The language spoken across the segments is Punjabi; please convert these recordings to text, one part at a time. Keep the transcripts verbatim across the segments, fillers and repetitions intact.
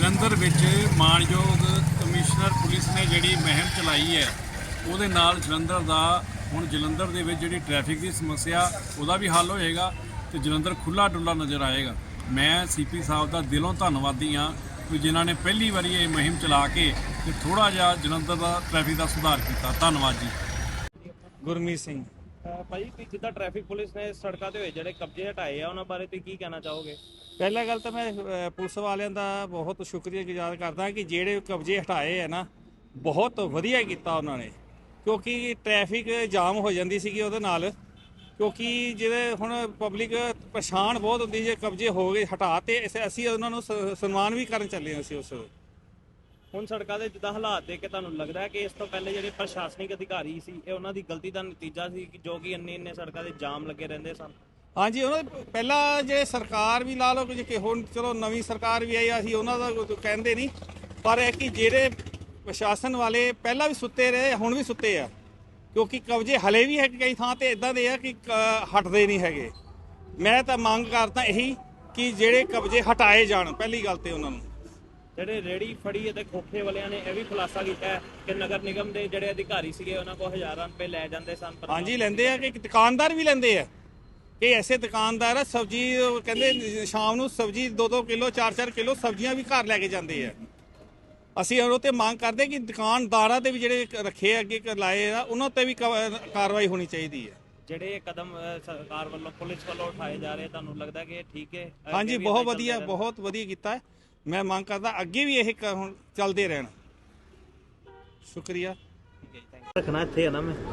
ਜਲੰਧਰ ਵਿੱਚ ਮਾਣਯੋਗ ਕਮਿਸ਼ਨਰ ਪੁਲਿਸ ਨੇ ਜਿਹੜੀ ਮੁਹਿੰਮ ਚਲਾਈ ਹੈ ਉਹਦੇ ਨਾਲ ਜਲੰਧਰ ਦਾ ਹੁਣ ਜਲੰਧਰ ਦੇ ਵਿੱਚ ਜਿਹੜੀ ਟ੍ਰੈਫਿਕ ਦੀ ਸਮੱਸਿਆ ਉਹਦਾ ਵੀ ਹੱਲ ਹੋਏਗਾ ਤੇ ਜਲੰਧਰ ਖੁੱਲਾ ਡੁੱਲਾ ਨਜ਼ਰ ਆਏਗਾ। ਮੈਂ ਸੀਪੀ ਸਾਹਿਬ ਦਾ ਦਿਲੋਂ ਧੰਨਵਾਦੀ ਹਾਂ ਕਿ ਜਿਨ੍ਹਾਂ ਨੇ ਪਹਿਲੀ ਵਾਰੀ ਇਹ ਮੁਹਿੰਮ ਚਲਾ ਕੇ ਤੇ ਥੋੜਾ ਜਿਹਾ ਜਲੰਧਰ ਦਾ ਟ੍ਰੈਫਿਕ ਦਾ ਸੁਧਾਰ ਕੀਤਾ। ਧੰਨਵਾਦ ਜੀ। ਗੁਰਮੀਤ ਸਿੰਘ। ਭਾਈ ਕਿ ਜਿੱਦਾਂ ਟ੍ਰੈਫਿਕ ਪੁਲਿਸ ਨੇ ਸੜਕਾਂ ਤੇ ਹੋਏ ਜਿਹੜੇ ਕਬਜ਼ੇ ਹਟਾਏ ਆ ਉਹਨਾਂ ਬਾਰੇ ਤੁਸੀਂ ਕੀ ਕਹਿਣਾ ਚਾਹੋਗੇ? ਪਹਿਲਾ ਗੱਲ ਤਾਂ ਮੈਂ ਅ, ਪੁਲਿਸ ਵਾਲਿਆਂ ਦਾ ਬਹੁਤ ਸ਼ੁਕਰੀਆ ਗੁਜ਼ਾਰ ਕਰਦਾ ਕਿ ਜਿਹੜੇ ਕਬਜ਼ੇ ਹਟਾਏ ਹੈ ਨਾ, ਬਹੁਤ ਵਧੀਆ ਕੀਤਾ ਉਹਨਾਂ ਨੇ, ਕਿਉਂਕਿ ਟ੍ਰੈਫਿਕ ਜਾਮ ਹੋ ਜਾਂਦੀ ਸੀਗੀ ਉਹਦੇ ਨਾਲ। ਕਿਉਂਕਿ ਜਿਹੜੇ ਹੁਣ ਪਬਲਿਕ ਪਰੇਸ਼ਾਨ ਬਹੁਤ ਹੁੰਦੀ, ਜੇ ਕਬਜ਼ੇ ਹੋ ਗਏ ਹਟਾ ਤੇ ਅਸੀਂ ਉਹਨਾਂ ਨੂੰ ਸ- ਸਨਮਾਨ ਵੀ ਕਰਨ ਚੱਲੇ ਹਾਂ ਅਸੀਂ ਉਸ ਵੇਲੇ। ਹੁਣ ਸੜਕਾਂ ਦੇ ਜਿੱਦਾਂ ਹਾਲਾਤ ਦੇਖ ਕੇ ਤੁਹਾਨੂੰ ਲੱਗਦਾ ਹੈ ਕਿ ਇਸ ਤੋਂ ਪਹਿਲੇ ਜਿਹੜੇ ਪ੍ਰਸ਼ਾਸਨਿਕ ਅਧਿਕਾਰੀ ਸੀ ਇਹ ਉਹਨਾਂ ਦੀ ਗਲਤੀ ਦਾ ਨਤੀਜਾ ਸੀ ਕਿ ਜੋ ਕਿ ਇੰਨੇ ਇੰਨੇ ਸੜਕਾਂ ਦੇ ਜਾਮ ਲੱਗੇ ਰਹਿੰਦੇ ਸਨ? ਹਾਂਜੀ, ਉਹਨਾਂ ਦੇ ਪਹਿਲਾਂ ਜੇ ਸਰਕਾਰ ਵੀ ਲਾ ਲਓ ਕਿ ਹੁਣ ਚਲੋ ਨਵੀਂ ਸਰਕਾਰ ਵੀ ਆਈ, ਅਸੀਂ ਉਹਨਾਂ ਦਾ ਕੋਈ ਕਹਿੰਦੇ ਨਹੀਂ, ਪਰ ਇਹ ਕਿ ਜਿਹੜੇ ਪ੍ਰਸ਼ਾਸਨ ਵਾਲੇ ਪਹਿਲਾਂ ਵੀ ਸੁੱਤੇ ਰਹੇ ਹੁਣ ਵੀ ਸੁੱਤੇ ਆ, ਕਿਉਂਕਿ ਕਬਜ਼ੇ ਹਲੇ ਵੀ ਹੈ ਕਈ ਥਾਂ ਤੇ ਇਦਾਂ ਦੇ ਆ ਕਿ ਕ- ਹਟਦੇ ਨਹੀਂ ਹੈਗੇ। ਮੈਂ ਤਾਂ ਮੰਗ ਕਰਦਾ ਇਹੀ ਕਿ ਜਿਹੜੇ ਕਬਜ਼ੇ ਹਟਾਏ ਜਾਣ, ਪਹਿਲੀ ਗੱਲ ਤੇ ਉਹਨਾਂ ਨੂੰ। ਜਿਹੜੇ ਰੇੜੀ ਫੜੀ ਅਤੇ ਖੋਖੇ ਵਾਲਿਆਂ ਨੇ ਇਹ ਵੀ ਖੁਲਾਸਾ ਕੀਤਾ ਹੈ ਕਿ ਨਗਰ ਨਿਗਮ ਦੇ ਜਿਹੜੇ ਅਧਿਕਾਰੀ ਸੀਗੇ ਉਹਨਾਂ ਕੋਲ ਹਜ਼ਾਰਾਂ ਰੁਪਏ ਲੈ ਜਾਂਦੇ ਸਨ। ਹਾਂਜੀ, ਲੈਂਦੇ ਆ, ਕਿ ਦੁਕਾਨਦਾਰ ਵੀ ਲੈਂਦੇ ਆ। ਇਹ ਐਸੇ ਦੁਕਾਨਦਾਰ ਆ, ਸਬਜ਼ੀ ਕਹਿੰਦੇ ਸ਼ਾਮ ਨੂੰ ਸਬਜ਼ੀ ਦੋ ਦੋ ਕਿਲੋ ਚਾਰ ਚਾਰ ਕਿਲੋ ਸਬਜ਼ੀਆਂ ਵੀ ਘਰ ਲੈ ਕੇ ਜਾਂਦੇ ਆ। ਅਸੀਂ ਉਹ ਤੇ ਮੰਗ ਕਰਦੇ ਕਿ ਦੁਕਾਨਦਾਰਾਂ ਤੇ ਵੀ ਜਿਹੜੇ ਰੱਖੇ ਅੱਗੇ ਲਾਏ ਆ ਉਹਨਾਂ ਤੇ ਵੀ ਕਾਰਵਾਈ ਹੋਣੀ ਚਾਹੀਦੀ ਹੈ। ਜਿਹੜੇ ਕਦਮ ਅ, ਸਰਕਾਰ ਵੱਲੋਂ ਪੁਲਿਸ ਵੱਲੋਂ ਉਠਾਏ ਜਾ ਰਹੇ ਤੁਹਾਨੂੰ ਲੱਗਦਾ ਕਿ ਇਹ ਠੀਕ ਹੈ? ਅੱਗੇ ਹਾਂਜੀ, ਵੀ ਬਹੁਤ ਏਦਾਂ ਵਧੀਆ, ਚੱਲਦੇ ਬਹੁਤ ਵਧੀਆ ਕੀਤਾ ਹੈ। ਮੈਂ ਮੰਗ ਕਰਦਾ ਅੱਗੇ ਵੀ ਇਹ ਕ- ਹੁਣ ਚੱਲਦੇ ਰਹਿਣ। ਸ਼ੁਕਰੀਆ। ਰਹਿਣ? ਰੱਖਣਾ ਇੱਥੇ ਹੈ ਨਾ ਮੈਂ।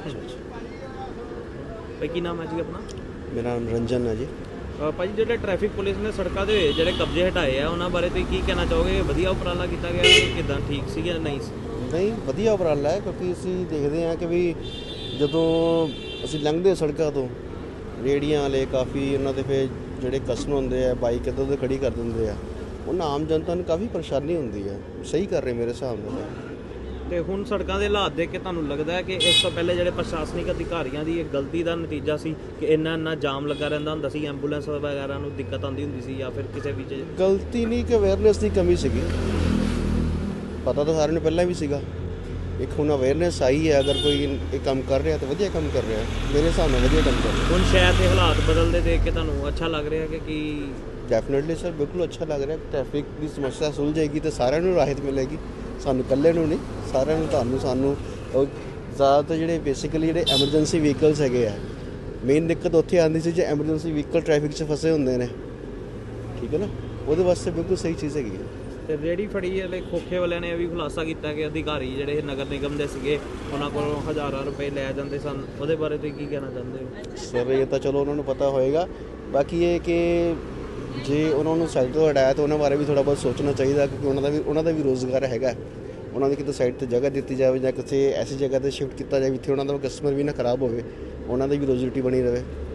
ਭਾਈ ਕੀ ਨਾਮ ਹੈ ਜੀ ਆਪਣਾ? ਮੇਰਾ ਨਾਮ ਰੰਜਨ ਹੈ ਜੀ। ਅ, ਭਾਜੀ ਜਿਹੜੇ ਟ੍ਰੈਫਿਕ ਪੁਲਿਸ ਨੇ ਸੜਕਾਂ ਦੇ ਜਿਹੜੇ ਕਬਜ਼ੇ ਹਟਾਏ ਆ ਉਹਨਾਂ ਬਾਰੇ ਤੁਸੀਂ ਕੀ ਕਹਿਣਾ ਚਾਹੋਗੇ? ਵਧੀਆ ਉਪਰਾਲਾ ਕੀਤਾ ਗਿਆ ਕਿ ਕਿਦਾਂ, ਠੀਕ ਸੀ ਜਾਂ ਨਹੀਂ ਸੀ? ਨਹੀਂ, ਵਧੀਆ ਉਪਰਾਲਾ ਹੈ, ਕਿਉਂਕਿ ਅਸੀਂ ਦੇਖਦੇ ਹਾਂ ਕਿ ਵੀ ਜਦੋਂ ਅਸੀਂ ਲੰਘਦੇ ਸੜਕਾਂ ਤੋਂ ਰੇੜੀਆਂ ਵਾਲੇ ਕਾਫੀ ਉਹਨਾਂ ਦੇ ਫਿਰ ਜਿਹੜੇ ਕਸਟਮਰ ਹੁੰਦੇ ਆ ਬਾਈਕ ਇੱਧਰ ਉੱਧਰ ਖੜੀ ਕਰ ਦਿੰਦੇ ਆ, ਉਹਨਾਂ ਆਮ ਜਨਤਾ ਨੂੰ ਕਾਫੀ ਪਰੇਸ਼ਾਨੀ ਹੁੰਦੀ ਹੈ। ਸਹੀ ਕਰ ਰਹੇ ਮੇਰੇ ਹਿਸਾਬ ਨਾਲ। ਤੇ ਹੁਣ ਸੜਕਾਂ ਦੇ ਹਾਲਾਤ ਦੇਖ ਕੇ ਤੁਹਾਨੂੰ ਲੱਗਦਾ ਹੈ ਕਿ ਇਸ ਤੋਂ ਪਹਿਲੇ ਜਿਹੜੇ ਪ੍ਰਸ਼ਾਸਨਿਕ ਅਧਿਕਾਰੀਆਂ ਦੀ ਇਹ ਗਲਤੀ ਦਾ ਨਤੀਜਾ ਸੀ ਕਿ ਇੰਨਾ ਇੰਨਾ ਜਾਮ ਲੱਗਾ ਰਹਿੰਦਾ ਹੁੰਦਾ ਸੀ, ਐਂਬੂਲੈਂਸ ਵਗੈਰਾ ਨੂੰ ਦਿੱਕਤ ਆਉਂਦੀ ਹੁੰਦੀ ਸੀ, ਜਾਂ ਫਿਰ ਕਿਸੇ ਵੀ ਚੀਜ਼? ਗਲਤੀ ਨਹੀਂ ਕਿ ਅਵੇਅਰਨੈਸ ਦੀ ਕਮੀ ਸੀਗੀ। ਪਤਾ ਤਾਂ ਸਾਰਿਆਂ ਨੂੰ ਪਹਿਲਾਂ ਵੀ ਸੀਗਾ। ਇੱਕ ਹੁਣ ਅਵੇਅਰਨੈਸ ਆਈ ਹੈ, ਅਗਰ ਕੋਈ ਇਹ ਕੰਮ ਕਰ ਰਿਹਾ ਤਾਂ ਵਧੀਆ ਕੰਮ ਕਰ ਰਿਹਾ, ਮੇਰੇ ਹਿਸਾਬ ਨਾਲ ਵਧੀਆ ਕੰਮ ਕਰ ਰਿਹਾ। ਹੁਣ ਸ਼ਹਿਰ ਦੇ ਹਾਲਾਤ ਬਦਲਦੇ ਦੇਖ ਕੇ ਤੁਹਾਨੂੰ ਅੱਛਾ ਲੱਗ ਰਿਹਾ ਕਿ ਕੀ? ਡੈਫੀਨੇਟਲੀ ਸਰ, ਬਿਲਕੁਲ ਅੱਛਾ ਲੱਗ ਰਿਹਾ। ਟ੍ਰੈਫਿਕ ਦੀ ਸਮੱਸਿਆ ਸੁਲਝ ਜਾਏਗੀ ਤਾਂ ਸਾਰਿਆਂ ਨੂੰ ਰਾਹਤ ਮਿਲੇਗੀ, ਸਾਨੂੰ ਇਕੱਲੇ ਨੂੰ ਨਹੀਂ, ਸਾਰਿਆਂ ਨੂੰ, ਤੁਹਾਨੂੰ, ਸਾਨੂੰ। ਜ਼ਿਆਦਾਤਰ ਜਿਹੜੇ ਬੇਸਿਕਲੀ ਜਿਹੜੇ ਐਮਰਜੈਂਸੀ ਵਹੀਕਲਸ ਹੈਗੇ ਆ, ਮੇਨ ਦਿੱਕਤ ਉੱਥੇ ਆਉਂਦੀ ਸੀ ਜੇ ਐਮਰਜੈਂਸੀ ਵਹੀਕਲ ਟ੍ਰੈਫਿਕ 'ਚ ਫਸੇ ਹੁੰਦੇ ਨੇ, ਠੀਕ ਹੈ ਨਾ, ਉਹਦੇ ਵਾਸਤੇ ਬਿਲਕੁਲ ਸਹੀ ਚੀਜ਼ ਹੈਗੀ ਹੈ। ਤੇ ਰੇੜੀ ਫੜੀ ਵਾਲੇ ਖੋਖੇ ਵਾਲਿਆਂ ਨੇ ਇਹ ਵੀ ਖੁਲਾਸਾ ਕੀਤਾ ਕਿ ਅਧਿਕਾਰੀ ਜਿਹੜੇ ਨਗਰ ਨਿਗਮ ਦੇ ਸੀਗੇ ਉਹਨਾਂ ਕੋਲੋਂ ਹਜ਼ਾਰਾਂ ਰੁਪਏ ਲੈ ਜਾਂਦੇ ਸਨ, ਉਹਦੇ ਬਾਰੇ ਤੁਸੀਂ ਕੀ ਕਹਿਣਾ ਚਾਹੁੰਦੇ ਹੋ? ਸਰ ਇਹ ਤਾਂ ਚਲੋ ਉਹਨਾਂ ਨੂੰ ਪਤਾ ਹੋਏਗਾ, ਬਾਕੀ ਇਹ ਕਿ ਜੇ ਉਹਨਾਂ ਨੂੰ ਸਾਈਡ ਤੋਂ ਹਟਾਇਆ ਤਾਂ ਉਹਨਾਂ ਬਾਰੇ ਵੀ ਥੋੜ੍ਹਾ ਬਹੁਤ ਸੋਚਣਾ ਚਾਹੀਦਾ, ਕਿਉਂਕਿ ਉਹਨਾਂ ਦਾ ਵੀ ਉਹਨਾਂ ਦਾ ਵੀ ਰੋਜ਼ਗਾਰ ਹੈਗਾ। ਉਹਨਾਂ ਦੀ ਕਿਤੇ ਸਾਈਡ 'ਤੇ ਜਗ੍ਹਾ ਦਿੱਤੀ ਜਾਵੇ ਜਾਂ ਕਿਸੇ ਐਸੀ ਜਗ੍ਹਾ 'ਤੇ ਸ਼ਿਫਟ ਕੀਤਾ ਜਾਵੇ ਜਿੱਥੇ ਉਹਨਾਂ ਦਾ ਕਸਟਮਰ ਵੀ ਨਾ ਖਰਾਬ ਹੋਵੇ, ਉਹਨਾਂ ਦੀ ਵੀ ਰੋਜ਼ੀ ਰੋਟੀ ਬਣੀ ਰਹੇ।